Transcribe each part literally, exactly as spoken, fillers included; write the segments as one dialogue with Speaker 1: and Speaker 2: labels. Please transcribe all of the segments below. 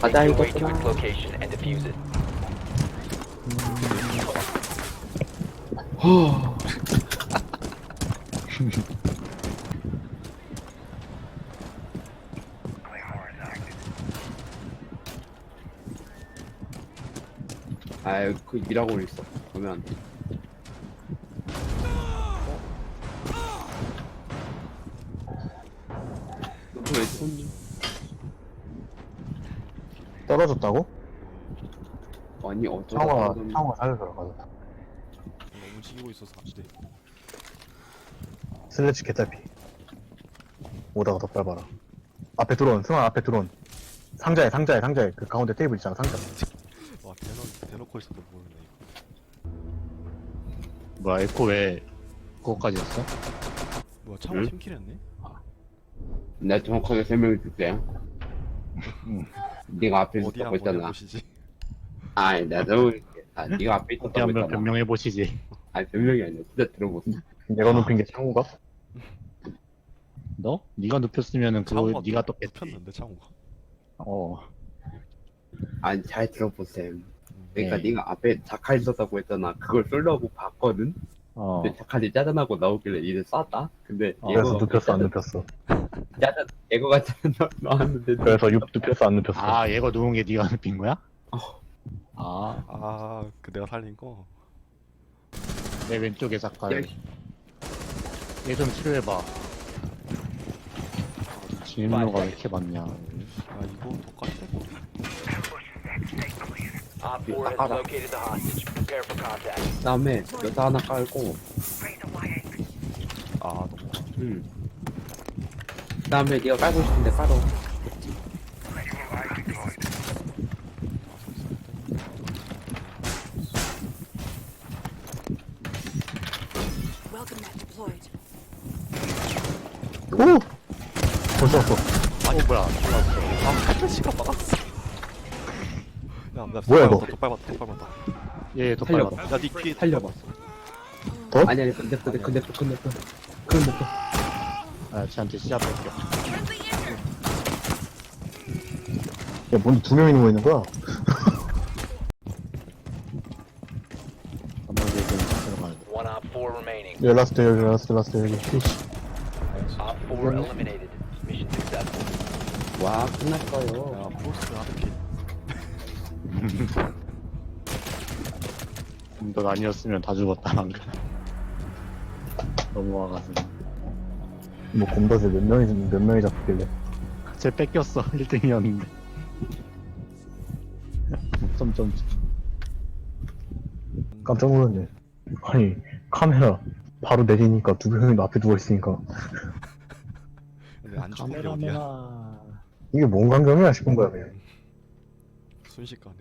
Speaker 1: 가자
Speaker 2: Make your way to its
Speaker 1: 이거구나.
Speaker 2: location and defuse it.
Speaker 1: 허. 아유 그 일하고 있어. 보면 안 돼. 너왜 손님?
Speaker 3: 떨어졌다고?
Speaker 1: 아니 어쩌다
Speaker 3: 창호가
Speaker 1: 떨어졌는데.
Speaker 3: 창호가 살려서 가자.
Speaker 4: 너무 움직이고 있어서 안 돼.
Speaker 3: 슬래치 개딸피. 오다가 더 밟아라. 앞에 드론, 승환 앞에 드론. 상자에 상자에 상자에 그 가운데 테이블 있잖아 상자.
Speaker 4: 와 대놓 대놓고 있어도 모르네 이거.
Speaker 5: 뭐야 에코 왜 그거까지 했어?
Speaker 4: 뭐야 창호
Speaker 1: 응?
Speaker 4: 팀킬했네?
Speaker 1: 내가 정확하게 설명해 줄게. 네가 앞에
Speaker 4: 어디
Speaker 1: 있었다고
Speaker 4: 한번
Speaker 1: 했잖아.
Speaker 4: 해보시지.
Speaker 1: 아니 내가 설명해 줄게. 아 네가 앞에
Speaker 5: 어디
Speaker 1: 있었다고
Speaker 5: 한번
Speaker 1: 했잖아.
Speaker 5: 변명해 보시지.
Speaker 1: 아니 변명이 아니야. 진짜 들어보세요.
Speaker 3: 내가 눕힌 게 창호가?
Speaker 5: 너? 네가 눕혔으면은 그거
Speaker 4: 창호가
Speaker 5: 네가 떴겠지.
Speaker 4: 눕혔는데 창호가.
Speaker 5: 어.
Speaker 1: 아니 잘 들어보세요. 그러니까
Speaker 5: 네.
Speaker 1: 네가 앞에 자칼 있었다고 했잖아. 그걸 쏠려고 봤거든.
Speaker 5: 어.
Speaker 1: 근데 자칼이 짜잔하고 나오길래 이제 쐈다. 근데
Speaker 5: 어,
Speaker 3: 그래서
Speaker 1: 얘가
Speaker 3: 눕혔어 안 눕혔어?
Speaker 1: 짜잔 예거가 짜잔 나- 나왔는데
Speaker 3: 그래서 눕, 눕혔어 안 눕혔어?
Speaker 5: 아 얘가 누운 게 네가 눕힌 거야?
Speaker 1: 어.
Speaker 5: 아.
Speaker 4: 아그 내가 살린 거.
Speaker 5: 내 왼쪽에 작가를.
Speaker 1: 야,
Speaker 5: 얘 좀 치료해봐. 진로가 왜 이렇게 많냐.
Speaker 4: 아 이거 독까지 떼고.
Speaker 2: Op four has
Speaker 1: Alright.
Speaker 2: located the hostage. Prepare for contact.
Speaker 1: 그다음에 여자 하나 깔고,
Speaker 4: 아 너무.
Speaker 1: 음. 그다음에 네가 깔고 싶은데 깔어.
Speaker 6: Welcome mat deployed.
Speaker 3: 오! 벌써 왔어.
Speaker 5: 아니 뭐야. 좋았어.
Speaker 4: 아 플래시가 막았어. 야나
Speaker 3: 뭐야, 이거?
Speaker 4: 더 밟았다 더 밟았다.
Speaker 5: 얘 더
Speaker 1: 살려봐.
Speaker 5: 빨라.
Speaker 4: 야니 뒤에
Speaker 1: 살려봐.
Speaker 3: 더?
Speaker 1: 아니 아니 근데 근데 근데 근데 근데 그건 못 해.
Speaker 5: 아 쟤한테 시야 뺄게.
Speaker 3: 야 뭔데 두 명이 누워있는 거야?
Speaker 5: 한번 얘좀 들어가야 돼.
Speaker 2: One op four remaining.
Speaker 3: 여기 라스트 여기 라스트 라스트 여기.
Speaker 2: Op four eliminated. Mission successful.
Speaker 1: 와 끝났어요.
Speaker 4: 야 프로스트 하드킬.
Speaker 5: 넌 아니었으면 다 죽었다 방금. 너무 와가지고.
Speaker 3: 뭐 곰덫에 몇 명이 몇 명이 잡혔길래.
Speaker 5: 쟤 뺏겼어. 일 등이었는데. 점점.
Speaker 3: 깜짝 놀랐네. 아니 카메라 바로 내리니까 두 명이 앞에 누워있으니까
Speaker 4: 근데 안 죽은 게 어디야?
Speaker 5: 카메라맨아.
Speaker 3: 이게 뭔 광경이야 싶은 거야 그냥.
Speaker 4: 순식간에.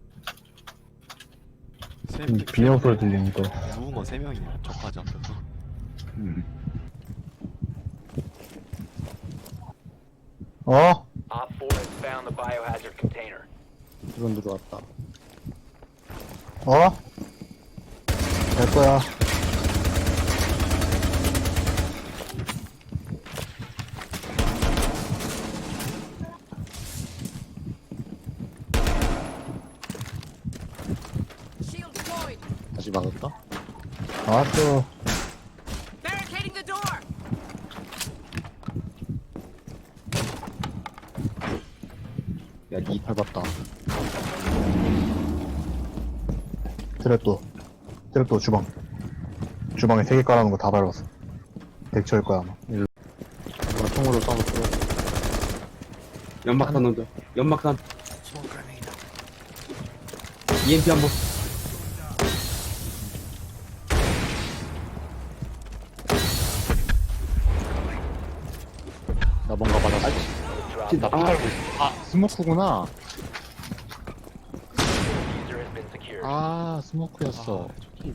Speaker 4: 세
Speaker 3: 음, 비명 소리 들리니까.
Speaker 4: 누운 건 세 명이야. 저까지 앞에서.
Speaker 5: 음.
Speaker 3: 어?
Speaker 2: Op four has found the biohazard container.
Speaker 5: 드론 들어왔다.
Speaker 3: 어? 될 거야.
Speaker 6: Shield deployed.
Speaker 5: 다시 막을까?
Speaker 3: 알았어.
Speaker 6: Barricading the door.
Speaker 1: 야니
Speaker 5: 밟았다.
Speaker 3: 트랩도. 트랩도 주방. 주방에 세 개 깔아놓은 거 다 밟았어. 대처일 거야 아마.
Speaker 5: 이거 총으로 싸워 뚫어.
Speaker 1: 연막산 넣자. 연막산. 이엠피 한번.
Speaker 5: 나 뭔가 받았어.
Speaker 2: Drop
Speaker 1: 진짜
Speaker 2: the
Speaker 1: 아,
Speaker 5: 아 스모크구나.
Speaker 2: diffuser has been secured.
Speaker 5: 아 스모크였어.
Speaker 4: 아,